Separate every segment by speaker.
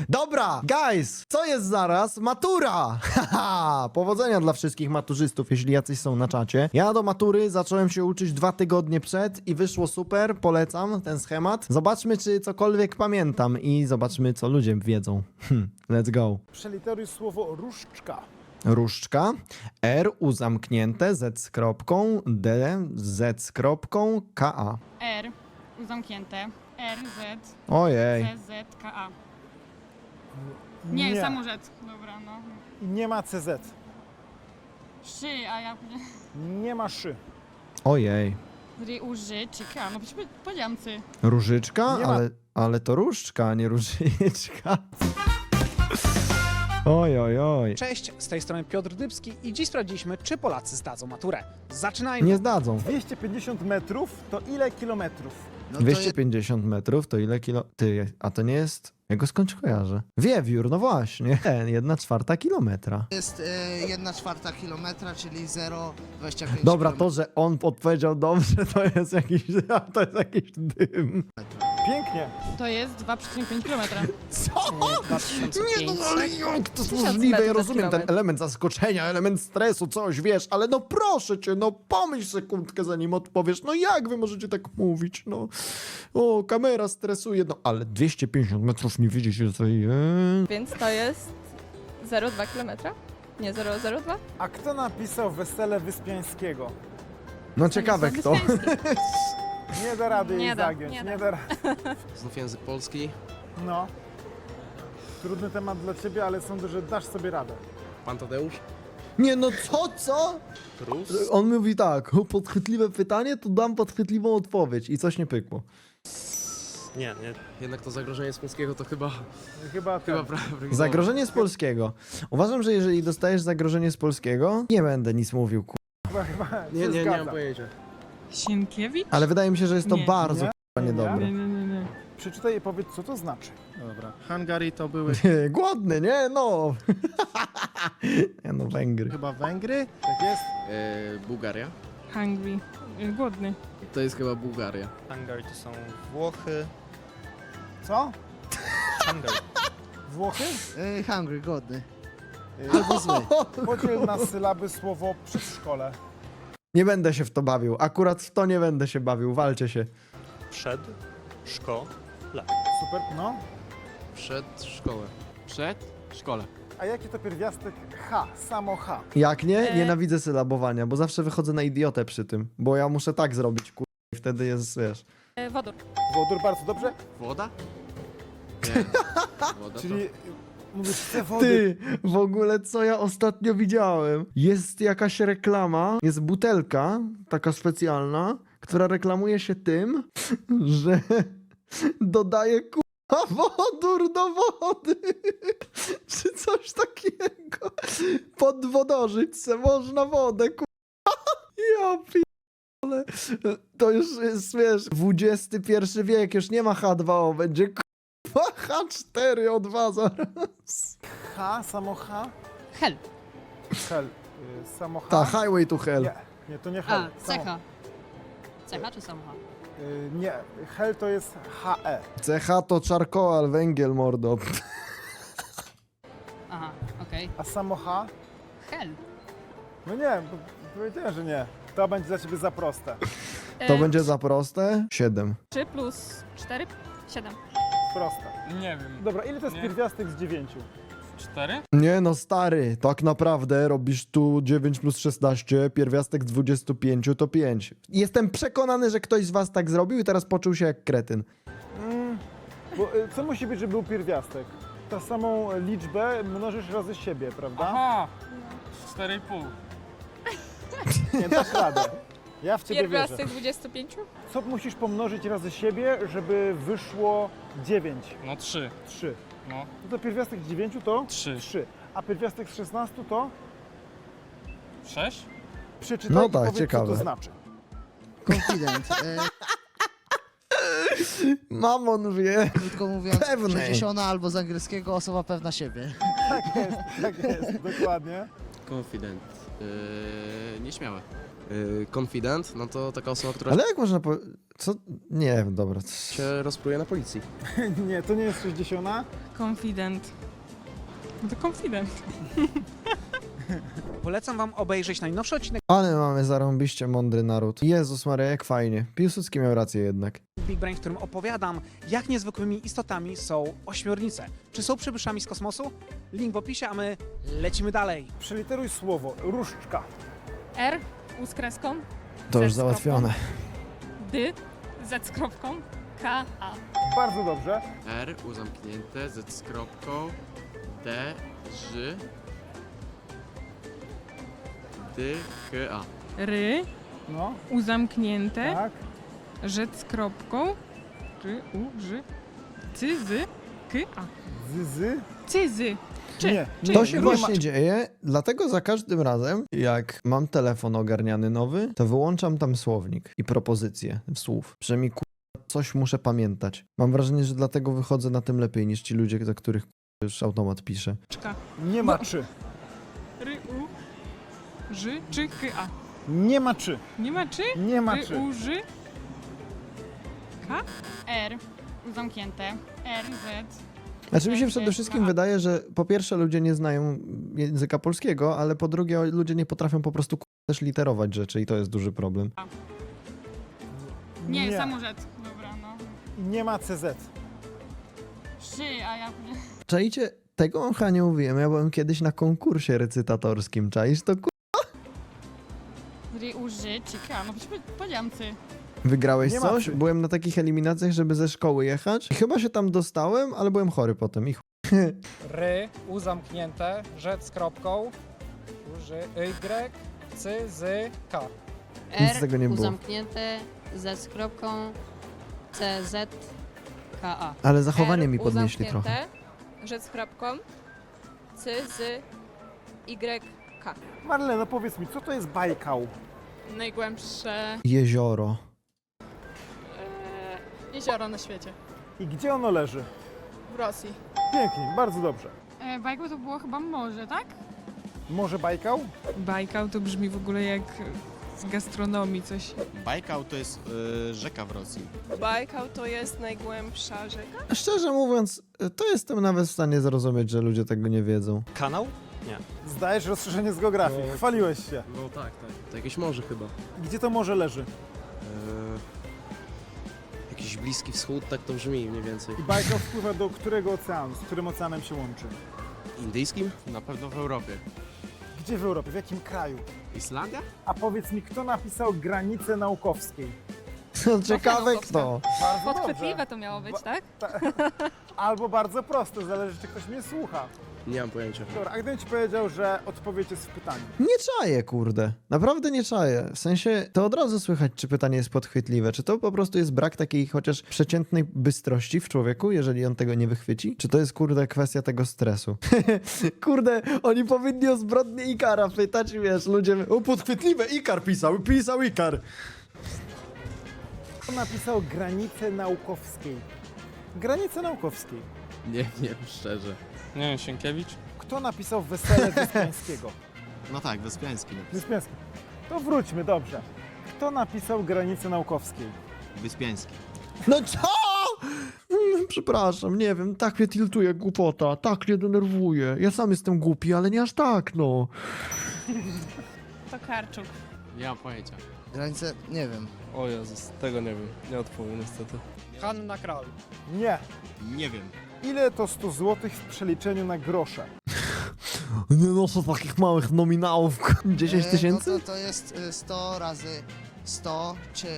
Speaker 1: Dobra, guys, co jest zaraz? Matura! Haha, powodzenia dla wszystkich maturzystów, jeśli jacyś są na czacie. Ja do matury zacząłem się uczyć 2 tygodnie przed i wyszło super, polecam ten schemat. Zobaczmy, czy cokolwiek pamiętam i zobaczmy, co ludzie wiedzą. Let's go.
Speaker 2: Przeliteruj słowo różdżka.
Speaker 1: Różdżka, R u zamknięte, Z z kropką, D Z z kropką, K A.
Speaker 3: R, zamknięte, R, Z,
Speaker 1: Ojej.
Speaker 3: C, Z, K, A. Nie, samo Z. Dobra, no.
Speaker 2: I nie ma CZ.
Speaker 3: Szy, a ja...
Speaker 2: Nie ma szy.
Speaker 1: Ojej.
Speaker 3: Uży, czy K, no przecież powiedziałam cy.
Speaker 1: Różyczka?
Speaker 2: Nie ma-
Speaker 1: Ale to różdżka, a nie różyczka. Oj, oj, oj.
Speaker 4: Cześć, z tej strony Piotr Dybski i dziś sprawdziliśmy, czy Polacy zdadzą maturę. Zaczynajmy!
Speaker 1: Nie zdadzą.
Speaker 2: 250 metrów to ile kilometrów?
Speaker 5: No to
Speaker 1: 250 metrów to ile kilo... Ty, a to nie jest... Ja go skądś kojarzę. Wiewiór, no właśnie. 1/4 kilometra.
Speaker 5: jest 1/4 kilometra, czyli 0,25
Speaker 1: Dobra, to, że on odpowiedział dobrze, to jest jakiś dym.
Speaker 2: Pięknie.
Speaker 3: To jest 2,5 km.
Speaker 1: Co?
Speaker 4: 2500.
Speaker 1: Nie, no ale jak to jest
Speaker 6: 1000
Speaker 1: możliwe? Ja
Speaker 6: metrów na
Speaker 1: rozumiem ten
Speaker 6: kilometr.
Speaker 1: element zaskoczenia, element stresu, coś, wiesz, ale no proszę cię, no pomyśl sekundkę zanim odpowiesz, no jak wy możecie tak mówić, no. O, kamera stresuje, no ale 250 metrów nie widzicie, co jest.
Speaker 6: Więc to jest 0,2 km? Nie, 0,02?
Speaker 2: A kto napisał Wesele Wyspiańskiego?
Speaker 1: No ciekawe kto.
Speaker 2: Nie da rady jej
Speaker 6: Nie da,
Speaker 2: zagiąć.
Speaker 6: nie
Speaker 2: Nie
Speaker 6: da.
Speaker 2: da rady.
Speaker 7: Znów język polski.
Speaker 2: No. Trudny temat dla ciebie, ale sądzę, że dasz sobie radę.
Speaker 7: Pan Tadeusz.
Speaker 1: Nie no co?
Speaker 7: Rus.
Speaker 1: On mówi tak, o, podchwytliwe pytanie, to dam podchwytliwą odpowiedź i coś nie pykło.
Speaker 7: Nie. Jednak to zagrożenie z polskiego to chyba
Speaker 2: Chyba
Speaker 7: prawidłowe.
Speaker 1: Zagrożenie z polskiego. Uważam, że jeżeli dostajesz zagrożenie z polskiego, nie będę nic mówił,
Speaker 2: chyba
Speaker 7: Nie,
Speaker 2: się
Speaker 7: nie
Speaker 2: zgadza.
Speaker 7: mam pojęcia.
Speaker 3: Sienkiewicz?
Speaker 1: ale wydaje mi się, że jest to
Speaker 3: Nie.
Speaker 1: bardzo
Speaker 2: Nie?
Speaker 1: niedobre.
Speaker 3: Nie.
Speaker 2: Przeczytaj i powiedz, co to znaczy.
Speaker 8: Dobra, Hungary to były
Speaker 1: Głodny, nie? No. Nie no, Węgry.
Speaker 8: chyba Węgry.
Speaker 2: Tak jest?
Speaker 7: Bułgaria.
Speaker 3: Hungry. Głodny.
Speaker 7: To jest chyba Bułgaria.
Speaker 8: Hungary to są Włochy.
Speaker 2: Co?
Speaker 8: Hungary.
Speaker 2: Włochy?
Speaker 5: Hungry, godny.
Speaker 2: Y,
Speaker 5: Albo zły.
Speaker 2: Podziel na sylaby słowo przedszkole.
Speaker 1: Nie będę się w to bawił. Akurat w to nie będę się bawił. Walcie się.
Speaker 8: Przed, szko,
Speaker 2: Super, no.
Speaker 7: Przed szkołę. Przed szkole.
Speaker 2: A jaki to pierwiastek H? Samo H.
Speaker 1: Jak nie? Nienawidzę sylabowania, bo zawsze wychodzę na idiotę przy tym. Bo ja muszę tak zrobić, i wtedy jest, wiesz.
Speaker 6: Wodór.
Speaker 2: Wodór, bardzo dobrze.
Speaker 7: Woda? Nie. Woda
Speaker 2: Czyli mówisz, chcę wody.
Speaker 1: Ty, w ogóle co ja ostatnio widziałem? Jest jakaś reklama, jest butelka, taka specjalna, która reklamuje się tym, że dodaje wodór do wody. Czy coś takiego. Podwodorzyć se można wodę, Ja p***le. To już jest, wiesz, XXI wiek, już nie ma H2O, będzie H4O2 zaraz.
Speaker 2: H, samo H.
Speaker 3: Hel.
Speaker 2: Hel. Samo H.
Speaker 1: Ta, Highway to Hell.
Speaker 2: Nie, to nie hel.
Speaker 3: A, cecha. Cecha czy samocha?
Speaker 2: Nie, hel to jest HE.
Speaker 1: CH to czarkoal, węgiel, mordo.
Speaker 3: Aha, okej.
Speaker 2: A samo H?
Speaker 3: Hel.
Speaker 2: No nie, powiedziałem, że nie. To będzie dla ciebie za proste.
Speaker 1: To będzie za proste? 7.
Speaker 6: 3 plus 4? 7.
Speaker 2: Proste.
Speaker 9: Nie wiem.
Speaker 2: Dobra, ile to jest
Speaker 9: Nie.
Speaker 2: pierwiastek z 9?
Speaker 9: 4?
Speaker 1: Nie no, stary, tak naprawdę robisz tu 9 plus 16, pierwiastek z 25 to 5. Jestem przekonany, że ktoś z was tak zrobił i teraz poczuł się jak kretyn.
Speaker 2: Bo co musi być, żeby był pierwiastek? Ta samą liczbę mnożysz razy siebie, prawda?
Speaker 9: Aha! 4,5.
Speaker 2: Nie, dasz radę. Ja w ciebie wierzę.
Speaker 6: Pierwiastek 25?
Speaker 2: Co musisz pomnożyć razy siebie, żeby wyszło 9?
Speaker 9: No 3.
Speaker 2: 3.
Speaker 9: No.
Speaker 2: No to pierwiastek z 9 to
Speaker 9: 3.
Speaker 2: 3. A pierwiastek z 16 to?
Speaker 9: 6?
Speaker 2: Przeczytaj
Speaker 1: No
Speaker 2: i
Speaker 1: tak,
Speaker 2: powiedz,
Speaker 1: ciekawe.
Speaker 2: co to znaczy.
Speaker 5: Confident.
Speaker 1: Mamon wie.
Speaker 5: Krótko mówiąc,
Speaker 1: Pewny.
Speaker 5: przeniesiona albo z angielskiego osoba pewna siebie.
Speaker 2: Tak jest, dokładnie.
Speaker 7: Confident. Nieśmiałe. Confident, no to taka osoba, która
Speaker 1: Ale jak można co? Nie wiem, dobra.
Speaker 7: się rozpruje na policji.
Speaker 2: Nie, to nie jest 60.
Speaker 3: Confident. No to confident.
Speaker 4: Polecam wam obejrzeć najnowszy odcinek
Speaker 1: Ale mamy zarąbiście mądry naród. Jezus Maria, jak fajnie. Piłsudski miał rację jednak.
Speaker 4: Big Brain, w którym opowiadam, jak niezwykłymi istotami są ośmiornice. Czy są przybyszami z kosmosu? Link w opisie, a my lecimy dalej.
Speaker 2: Przeliteruj słowo. Różdżka.
Speaker 3: R, U z kreską,
Speaker 1: To już
Speaker 3: Z z kropką.
Speaker 1: załatwione.
Speaker 3: D, Z z kropką, K, A.
Speaker 2: Bardzo dobrze.
Speaker 7: R, U zamknięte, Z z kropką, D, Ż, D, K, A.
Speaker 3: Ry,
Speaker 2: No,
Speaker 3: U zamknięte,
Speaker 2: tak.
Speaker 3: Rzec z kropką, Ry, U, Ży, Cyzy, K, A.
Speaker 2: Zy.
Speaker 3: Cyzy.
Speaker 2: Nie.
Speaker 1: To się
Speaker 2: nie
Speaker 1: właśnie dzieje, dlatego za każdym razem, jak mam telefon ogarniany nowy, to wyłączam tam słownik i propozycje słów. Przynajmniej coś muszę pamiętać. Mam wrażenie, że dlatego wychodzę na tym lepiej niż ci ludzie, za których już automat pisze.
Speaker 2: Nie ma czy.
Speaker 3: Ry, U, Ży, czy, K, A.
Speaker 2: Nie ma czy.
Speaker 3: Nie ma czy?
Speaker 2: Nie ma
Speaker 3: Ry,
Speaker 2: czy.
Speaker 3: U, Ży. K?
Speaker 10: R, zamknięte, R, Z.
Speaker 1: Znaczy mi się przede wszystkim wydaje, że po pierwsze ludzie nie znają języka polskiego, ale po drugie ludzie nie potrafią po prostu też literować rzeczy i to jest duży problem.
Speaker 10: Nie, samorzec. Dobra, no.
Speaker 2: Nie ma CZ.
Speaker 10: Szy, a ja...
Speaker 1: Czajcie, tego wam chyba nie mówiłem, ja byłem kiedyś na konkursie recytatorskim, czaisz to
Speaker 10: Ry, uży, cika. No przecież powiedziałam cy.
Speaker 1: Wygrałeś
Speaker 2: Nie ma
Speaker 1: coś?
Speaker 2: czy.
Speaker 1: Byłem na takich eliminacjach, żeby ze szkoły jechać. I chyba się tam dostałem, ale byłem chory potem. I
Speaker 9: Ry, U zamknięte, Rzec z kropką, Y, C, Z, K.
Speaker 1: Nic z tego nie
Speaker 3: U
Speaker 1: było.
Speaker 3: zamknięte, Z z kropką, C, Z, K, A.
Speaker 1: Ale zachowanie mi podnieśli trochę.
Speaker 6: Rzec z kropką. C, Z, Y, K.
Speaker 2: Marlena, powiedz mi, co to jest Bajkał?
Speaker 6: Najgłębsze
Speaker 1: Jezioro.
Speaker 6: jezioro na świecie.
Speaker 2: I gdzie ono leży?
Speaker 6: W Rosji.
Speaker 2: Pięknie, bardzo dobrze.
Speaker 10: Bajku to było chyba morze, tak?
Speaker 2: Może Bajkał?
Speaker 3: Bajkał to brzmi w ogóle jak z gastronomii coś.
Speaker 8: Bajkał to jest rzeka w Rosji.
Speaker 6: Bajkał to jest najgłębsza rzeka?
Speaker 1: Szczerze mówiąc, to jestem nawet w stanie zrozumieć, że ludzie tego nie wiedzą.
Speaker 8: Kanał?
Speaker 2: Zdajesz rozszerzenie z geografii. Chwaliłeś się.
Speaker 7: No tak. To jakieś morze chyba.
Speaker 2: Gdzie to morze leży?
Speaker 7: Jakiś Bliski Wschód, tak to brzmi mniej więcej.
Speaker 2: I Bajkał wpływa do którego oceanu? Z którym oceanem się łączy?
Speaker 7: Indyjskim? Na pewno w Europie.
Speaker 2: Gdzie w Europie? W jakim kraju?
Speaker 7: Islandia?
Speaker 2: A powiedz mi, kto napisał Granice Naukowskiej?
Speaker 1: Ciekawe kto.
Speaker 2: Bardzo dobrze.
Speaker 10: Podchwytliwe to miało być, tak?
Speaker 2: Albo bardzo proste, zależy czy ktoś mnie słucha.
Speaker 7: Nie mam pojęcia.
Speaker 2: Dobra, a gdybym ci powiedział, że odpowiedź jest w pytaniu.
Speaker 1: Nie czaję, kurde. Naprawdę nie czaję. W sensie, to od razu słychać, czy pytanie jest podchwytliwe. Czy to po prostu jest brak takiej chociaż przeciętnej bystrości w człowieku, jeżeli on tego nie wychwyci? Czy to jest, kurde, kwestia tego stresu? Kurde, oni powinni o zbrodnię Ikara pytać, wiesz, ludzie... O, podchwytliwe, Ikar pisał Ikar.
Speaker 2: Kto napisał Granice Naukowskiej? Granice Naukowskiej.
Speaker 7: Nie wiem, szczerze.
Speaker 9: Nie wiem, Sienkiewicz?
Speaker 2: Kto napisał Wesele Wyspiańskiego?
Speaker 8: No tak, Wyspiański.
Speaker 2: Wyspiański. To wróćmy, dobrze. Kto napisał Granice Naukowskiej?
Speaker 8: Wyspiański.
Speaker 1: No co? Przepraszam, nie wiem, tak mnie tiltuje głupota, tak mnie denerwuje. Ja sam jestem głupi, ale nie aż tak, no.
Speaker 10: To Karczuk.
Speaker 7: Nie mam pojęcia.
Speaker 5: Granice, nie wiem.
Speaker 9: O Jezus, tego nie wiem. Nie odpowiem niestety. Hanna Kral.
Speaker 2: Nie.
Speaker 8: Nie wiem.
Speaker 2: Ile to 100 zł w przeliczeniu na grosze?
Speaker 1: Nie noszę takich małych nominałów. 10 tysięcy?
Speaker 5: No to jest 100 razy 100,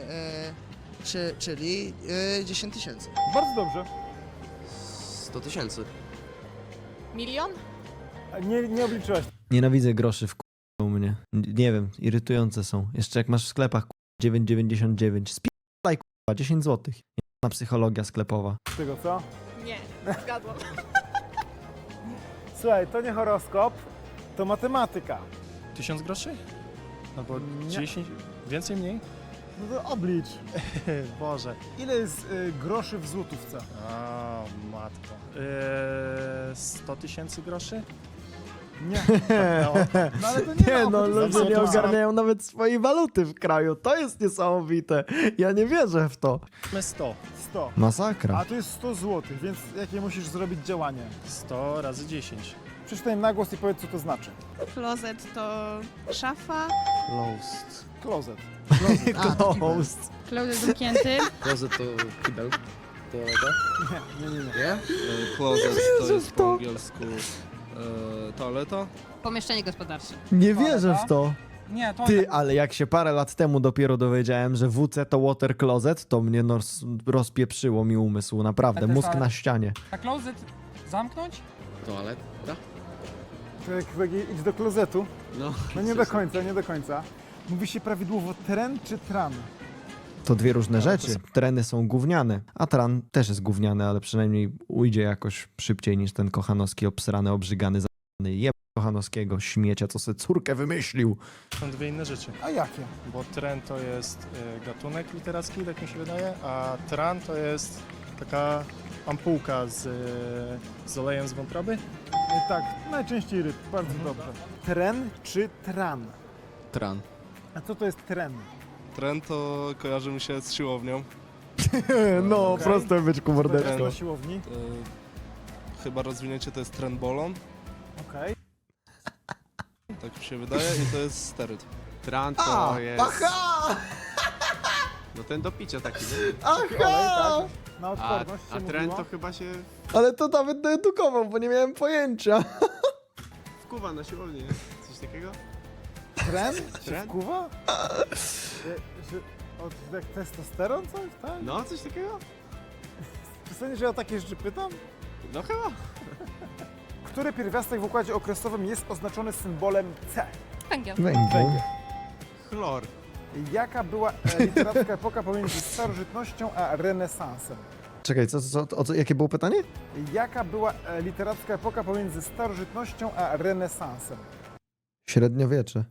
Speaker 5: czyli 10 tysięcy.
Speaker 2: Bardzo dobrze.
Speaker 7: 100 tysięcy.
Speaker 6: Milion?
Speaker 2: A nie obliczyłaś.
Speaker 1: Nienawidzę groszy w u mnie. Nie wiem, irytujące są. Jeszcze jak masz w sklepach 9,99. Spierdalaj 10 zł. Na psychologia sklepowa.
Speaker 2: Tego co?
Speaker 6: Nie, zgadłam.
Speaker 2: Słuchaj, to nie horoskop, to matematyka.
Speaker 9: 1000 groszy? Albo
Speaker 2: Nie.
Speaker 9: 10? Więcej, mniej?
Speaker 2: No to oblicz.
Speaker 9: Boże.
Speaker 2: Ile jest groszy w złotówce?
Speaker 9: A, matko. 100 tysięcy groszy?
Speaker 2: Nie. No ale to nie,
Speaker 1: Nie
Speaker 2: ma
Speaker 1: no,
Speaker 2: opcji.
Speaker 1: ludzie nie ogarniają nawet swojej waluty w kraju. To jest niesamowite. Ja nie wierzę w to.
Speaker 8: 100.
Speaker 2: 100.
Speaker 1: Masakra.
Speaker 2: A to jest 100 zł, więc jakie musisz zrobić działanie?
Speaker 8: 100 razy 10.
Speaker 2: Przeczytaj na głos i powiedz, co to znaczy.
Speaker 10: Klozet to szafa.
Speaker 8: Closed.
Speaker 2: Klozet.
Speaker 1: Closed.
Speaker 10: Klozet zamknięty.
Speaker 7: Closet to kibel. Toaleta.
Speaker 2: Nie.
Speaker 7: Nie?
Speaker 9: Closet to
Speaker 1: wierzę
Speaker 9: jest
Speaker 1: w
Speaker 9: po
Speaker 1: to.
Speaker 9: angielsku toaleta.
Speaker 10: Pomieszczenie gospodarcze.
Speaker 1: Nie wierzę w to.
Speaker 4: Nie, to
Speaker 1: Ty, ale jak się parę lat temu dopiero dowiedziałem, że WC to water closet, to mnie rozpieprzyło mi umysł, naprawdę.
Speaker 4: Ale też
Speaker 1: Mózg
Speaker 4: ale-
Speaker 1: na ścianie.
Speaker 4: a klozet zamknąć?
Speaker 7: Toaleta?
Speaker 2: To jak idź do klozetu.
Speaker 7: No.
Speaker 2: No nie do końca, nie do końca. Mówi się prawidłowo tren czy tran?
Speaker 1: To dwie różne rzeczy. Treny są gówniane, a tran też jest gówniany, ale przynajmniej ujdzie jakoś szybciej niż ten Kochanowski obsrany, obrzygany, za***ny jeb Kochanowskiego śmiecia, co sobie córkę wymyślił.
Speaker 8: Są dwie inne rzeczy,
Speaker 2: A jakie?
Speaker 8: bo tren to jest gatunek literacki, tak mi się wydaje, a tran to jest taka ampułka z olejem z wątroby.
Speaker 2: Tak, najczęściej ryb, bardzo dobrze. Tren czy tran?
Speaker 7: Tran.
Speaker 2: A co to jest tren?
Speaker 9: Trend to kojarzy mi się z siłownią.
Speaker 1: No,
Speaker 2: Okej.
Speaker 1: proste byczku
Speaker 2: To jest
Speaker 1: mordeczko.
Speaker 2: na siłowni.
Speaker 9: Chyba rozwinięcie to jest trendbolon,
Speaker 2: Okej.
Speaker 9: tak mi się wydaje, i to jest steryt.
Speaker 7: Tran to jest...
Speaker 1: Aha!
Speaker 7: No ten do picia taki, nie?
Speaker 2: Kolej,
Speaker 1: Aha!
Speaker 2: tak. Na
Speaker 7: A,
Speaker 2: odporność się
Speaker 7: a tren
Speaker 2: mówiło.
Speaker 7: to chyba się
Speaker 1: Ale to nawet doedukował, bo nie miałem pojęcia.
Speaker 7: wkuwa na siłownię, nie? Coś takiego?
Speaker 2: Tren? Się
Speaker 7: Tren?
Speaker 2: wkuwa? Jak testosteron coś, tak?
Speaker 7: No, coś takiego?
Speaker 2: Czy sądzisz, że ja o takie rzeczy pytam?
Speaker 7: No chyba.
Speaker 2: Który pierwiastek w układzie okresowym jest oznaczony symbolem C?
Speaker 6: Węgiel.
Speaker 1: Węgiel.
Speaker 7: Chlor.
Speaker 2: Jaka była literacka epoka pomiędzy starożytnością a renesansem?
Speaker 1: Czekaj, jakie było pytanie?
Speaker 2: Jaka była literacka epoka pomiędzy starożytnością a renesansem?
Speaker 1: Średniowiecze.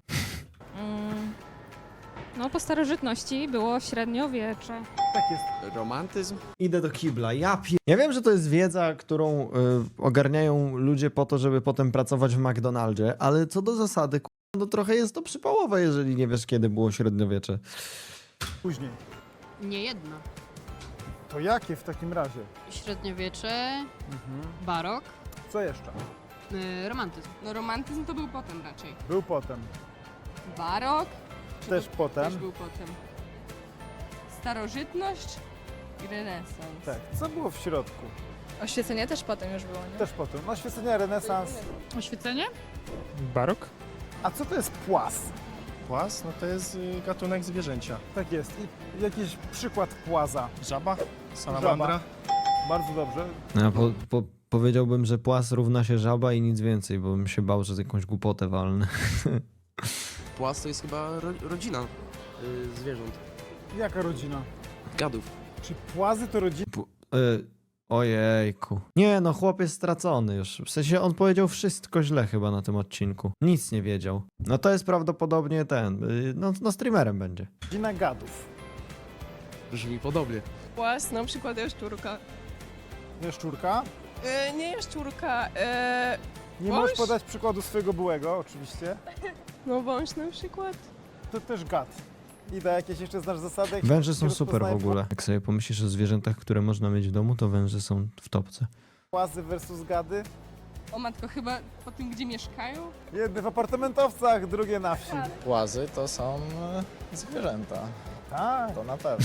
Speaker 10: No po starożytności było średniowiecze.
Speaker 2: Tak jest.
Speaker 7: Romantyzm?
Speaker 1: Idę do kibla. Ja wiem, że to jest wiedza, którą ogarniają ludzie po to, żeby potem pracować w McDonaldzie, ale co do zasady, no trochę jest to przypałowe, jeżeli nie wiesz, kiedy było średniowiecze.
Speaker 2: Później.
Speaker 11: Nie jedno.
Speaker 2: To jakie w takim razie?
Speaker 11: Średniowiecze, barok,
Speaker 2: Co jeszcze?
Speaker 11: romantyzm.
Speaker 10: No romantyzm to był potem raczej.
Speaker 2: Był potem.
Speaker 10: Barok
Speaker 2: Też potem.
Speaker 10: był potem. Starożytność i renesans.
Speaker 2: Tak. Co było w środku?
Speaker 6: Oświecenie też potem już było, nie?
Speaker 2: Też potem. No oświecenie, renesans.
Speaker 10: Oświecenie?
Speaker 8: Barok?
Speaker 2: A co to jest płas?
Speaker 8: Płas, no to jest gatunek zwierzęcia.
Speaker 2: Tak jest. I jakiś przykład płaza.
Speaker 8: Żaba, salamandra.
Speaker 2: Bardzo dobrze.
Speaker 1: Ja powiedziałbym, że płas równa się żaba i nic więcej, bo bym się bał, że z jakąś głupotę walnę.
Speaker 7: Płas to jest chyba rodzina zwierząt.
Speaker 2: Jaka rodzina?
Speaker 7: Gadów.
Speaker 2: Czy płazy to rodzina?
Speaker 1: Ojejku. Nie, no chłop jest stracony już. W sensie on powiedział wszystko źle chyba na tym odcinku. Nic nie wiedział. No to jest prawdopodobnie no streamerem będzie.
Speaker 2: Rodzina gadów.
Speaker 7: Brzmi podobnie.
Speaker 6: Płas, na przykład jaszczurka.
Speaker 2: Jaszczurka?
Speaker 6: Nie jaszczurka,
Speaker 2: Nie
Speaker 6: Wąż?
Speaker 2: możesz podać przykładu swojego byłego, oczywiście.
Speaker 6: no wąż na przykład.
Speaker 2: To też gad. Ida, jakieś jeszcze znasz zasady? Jak
Speaker 1: Węże
Speaker 2: się
Speaker 1: są super w
Speaker 2: rozpoznaje
Speaker 1: ogóle. Jak sobie pomyślisz o zwierzętach, które można mieć w domu, to węże są w topce.
Speaker 2: Płazy versus gady?
Speaker 10: O matko, chyba po tym, gdzie mieszkają?
Speaker 2: Jedne w apartamentowcach, drugie na wsi.
Speaker 12: Płazy to są zwierzęta,
Speaker 2: Tak.
Speaker 12: to na pewno.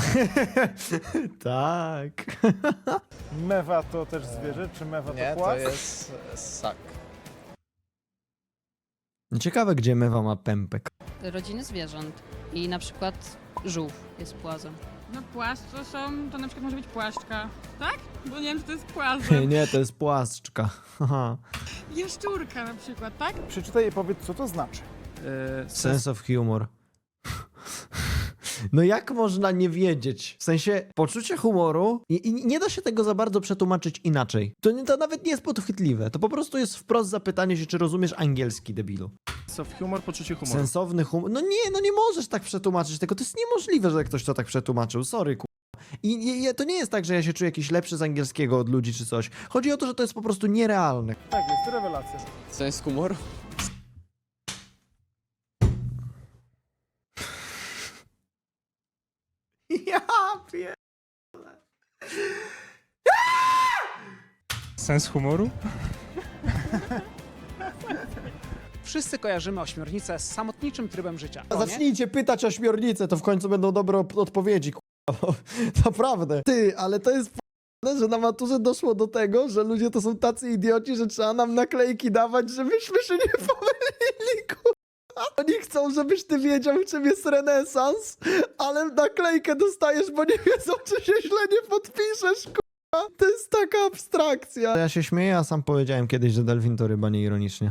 Speaker 1: Tak.
Speaker 2: Mewa to też zwierzę, czy mewa
Speaker 12: Nie,
Speaker 2: to
Speaker 12: to
Speaker 2: płaz?
Speaker 12: jest ssak.
Speaker 1: Ciekawe, gdzie mewa ma pępek.
Speaker 11: Rodziny zwierząt. I na przykład żółw jest płazem.
Speaker 10: No płaszcz to na przykład może być płaszczka, tak? Bo nie wiem, czy to jest płazem.
Speaker 1: Nie, to jest płaszczka. Haha.
Speaker 10: Jaszczurka na przykład, tak?
Speaker 2: Przeczytaj i powiedz, co to znaczy.
Speaker 1: Sense of humor. No jak można nie wiedzieć? W sensie poczucie humoru i nie da się tego za bardzo przetłumaczyć inaczej. To nawet nie jest podchwytliwe. To po prostu jest wprost zapytanie się, czy rozumiesz angielski, debilu.
Speaker 8: Soft humor, poczucie humoru.
Speaker 1: Sensowny humor. No nie możesz tak przetłumaczyć tego. To jest niemożliwe, że ktoś to tak przetłumaczył. Sorry, I to nie jest tak, że ja się czuję jakiś lepszy z angielskiego od ludzi czy coś. Chodzi o to, że to jest po prostu nierealne.
Speaker 2: Tak, jest rewelacja.
Speaker 7: Sens humoru?
Speaker 9: Sens humoru?
Speaker 4: Wszyscy kojarzymy ośmiornicę z samotniczym trybem życia.
Speaker 1: Zacznijcie pytać o ośmiornicę, to w końcu będą dobre odpowiedzi, k***a. Naprawdę. Ty, ale to jest p***ne, że na maturze doszło do tego, że ludzie to są tacy idioci, że trzeba nam naklejki dawać, żebyśmy się nie pomylili, k***a. Oni chcą, żebyś ty wiedział, czym jest renesans, ale naklejkę dostajesz, bo nie wiedzą, czy się źle nie podpiszesz, k***a. To jest taka abstrakcja. Ja się śmieję, a sam powiedziałem kiedyś, że delfin to ryba, nie ironicznie.